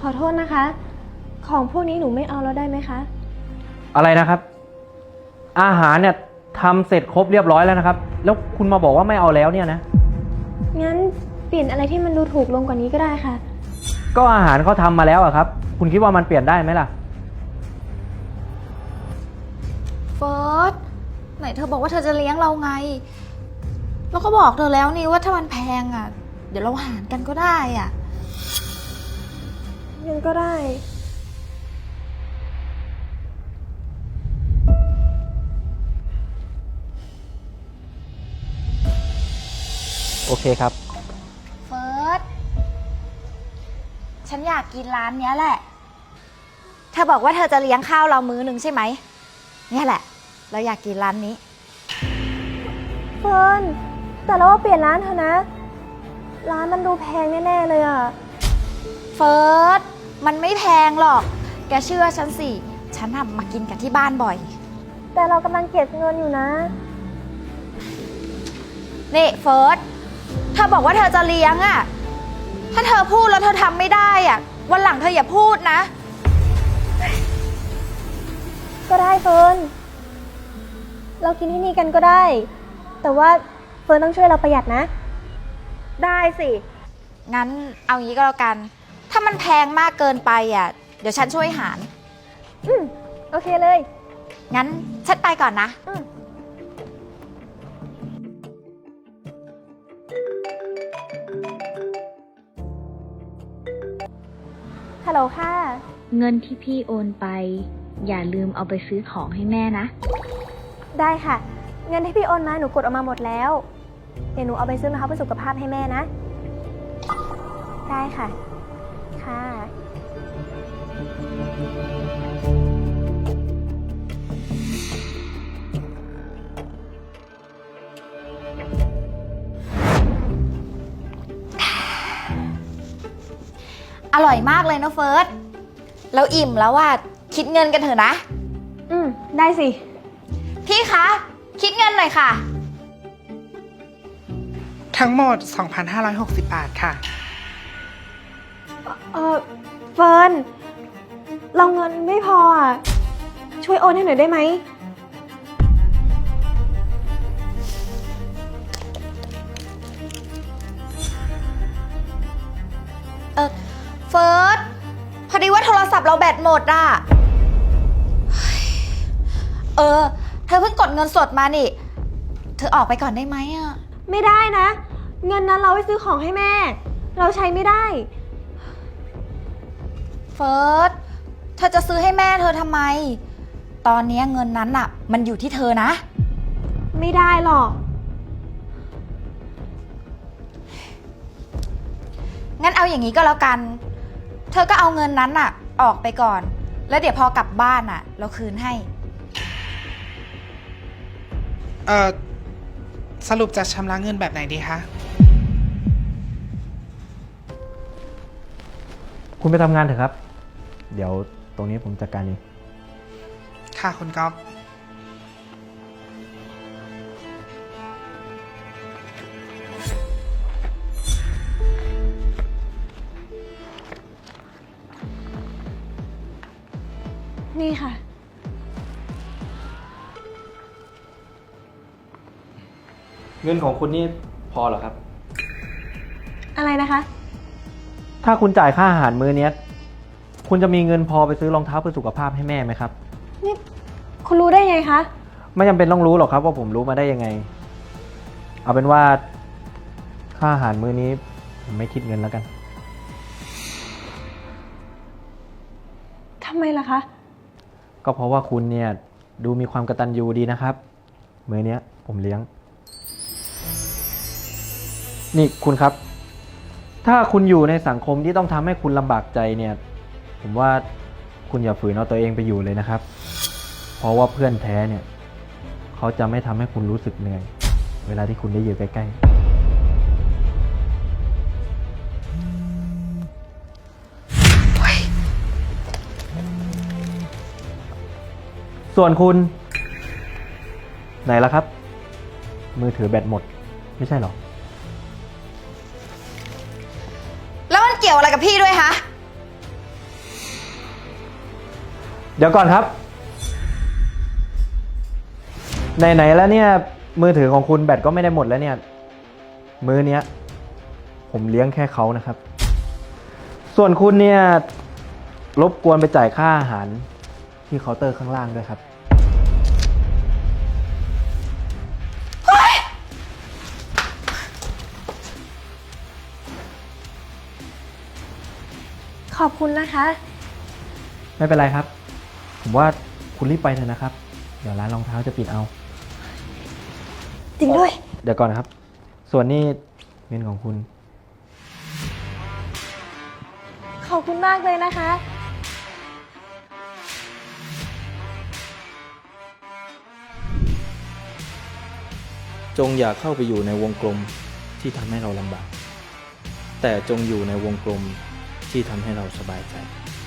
อโทษนะคะ ของพวกนี้หนูไม่เอาแล้วได้ไหมคะอะไรนะครับ อาหารเนี่ยทำเสร็จครบเรียบร้อยแล้วนะครับ แล้วคุณมาบอกว่าไม่เอาแล้วเนี่ยนะงั้นเปลี่ยนอะไรที่มันดูถูกลงกว่านี้ก็ได้ค่ะก็อาหารเขาทำมาแล้วอะครับ คุณคิดว่ามันเปลี่ยนได้ไหมล่ะเฟิร์สไหนเธอบอกว่าเธอจะเลี้ยงเราไง แล้วก็บอกเธอแล้วนี่ว่าถ้ามันแพงอ่ะ เดี๋ยวเราหารกันก็ได้อ่ะงั้นก็ได้โอเคครับเฟิร์สฉันอยากกินร้านเนี้ยแหละ เธอบอกว่าเธอจะเลี้ยงข้าวเรามื้อหนึ่งใช่ไหม เนี่ยแหละ เราอยากกินร้านนี้เฟิร์นแต่เราว่าเปลี่ยนร้านเถอะนะ ร้านมันดูแพงแน่ๆเลยอะเฟิร์สมันไม่แพงหรอก แกเชื่อฉันสิ ฉันทำมากินกันที่บ้านบ่อยแต่เรากำลังเก็บเงินอยู่นะนี่เฟิร์สเธอบอกว่าเธอจะเลี้ยงอะถ้าเธอพูดแล้วเธอทำไม่ได้อะวันหลังเธออย่าพูดนะก็ได้เฟิร์นเรากินที่นี่กันก็ได้ แต่ว่าเฟิร์นต้องช่วยเราประหยัดนะได้สิ งั้นเอางี้ก็แล้วกัน ถ้ามันแพงมากเกินไปอะเดี๋ยวฉันช่วยหารโอเคเลยงั้นฉันไปก่อนนะฮัลโหลค่ะเงินที่พี่โอนไป อย่าลืมเอาไปซื้อของให้แม่นะได้ค่ะ เงินที่พี่โอนมาหนูกดออกมาหมดแล้ว เดี๋ยวหนูเอาไปซื้อรองเท้าเพื่อสุขภาพให้แม่นะ ได้ค่ะ ค่ะอร่อยมากเลยนะเฟิร์สเราอิ่มแล้วว่าคิดเงินกันเถอะนะได้สิพี่คะ คิดเงินหน่อยค่ะทั้งหมด 2,560 บาทค่ะเฟิร์นเราเงินไม่พออ่ะ ช่วยโอนให้หน่อยได้ไหมเฟิร์สพอดีว่าโทรศัพท์เราแบตหมดอ่ะเฮ้ยเธอเพิ่งกดเงินสดมานี่ เธอออกไปก่อนได้ไหมอ่ะไม่ได้นะ เงินนั้นเราไว้ซื้อของให้แม่ เราใช้ไม่ได้เฟิร์สเธอจะซื้อให้แม่เธอทำไม ตอนนี้เงินนั้นอ่ะ มันอยู่ที่เธอนะไม่ได้หรอกงั้นเอาอย่างนี้ก็แล้วกัน เธอก็เอาเงินนั้นอ่ะ ออกไปก่อน แล้วเดี๋ยวพอกลับบ้านอ่ะ เราคืนให้สรุปจะชำระเงินแบบไหนดีคะคุณไปทำงานเถอะครับ เดี๋ยวตรงนี้ผมจัดการเองค่ะคุณก๊อฟนี่ค่ะเงินของคุณนี่พอเหรอครับอะไรนะคะถ้าคุณจ่ายค่าอาหารมื้อเนี้ยคุณจะมีเงินพอไปซื้อรองเท้าเพื่อสุขภาพให้แม่ไหมครับนี่คุณรู้ได้ไงคะไม่จำเป็นต้องรู้หรอกครับว่าผมรู้มาได้ยังไง เอาเป็นว่าค่าอาหารมื้อนี้ผมไม่คิดเงินแล้วกันทำไมล่ะคะก็เพราะว่าคุณเนี่ยดูมีความกตัญญูดีนะครับ มื้อเนี้ยผมเลี้ยง นี่คุณครับ ถ้าคุณอยู่ในสังคมที่ต้องทำให้คุณลำบากใจเนี่ย ผมว่าคุณอย่าฝืนเอาตัวเองไปอยู่เลยนะครับ เพราะว่าเพื่อนแท้เนี่ยเขาจะไม่ทำให้คุณรู้สึกเหนื่อย เวลาที่คุณได้อยู่ใกล้ๆส่วนคุณ ไหนล่ะครับ มือถือแบตหมด ไม่ใช่หรอแล้วมันเกี่ยวอะไรกับพี่ด้วยคะเดี๋ยวก่อนครับ ไหนๆแล้วเนี่ยมือถือของคุณแบตก็ไม่ได้หมดแล้วเนี่ย มื้อเนี้ย ผมเลี้ยงแค่เขานะครับ ส่วนคุณเนี่ยรบกวนไปจ่ายค่าอาหารที่เคาน์เตอร์ข้างล่างด้วยครับขอบคุณนะคะไม่เป็นไรครับ ผมว่าคุณรีบไปเถอะนะครับ เดี๋ยวร้านรองเท้าจะปิดเอาจริงด้วยเดี๋ยวก่อนนะครับ ส่วนนี้เงินของคุณขอบคุณมากเลยนะคะจงอย่าเข้าไปอยู่ในวงกลมที่ทำให้เราลำบาก แต่จงอยู่ในวงกลมที่ทำให้เราสบายใจ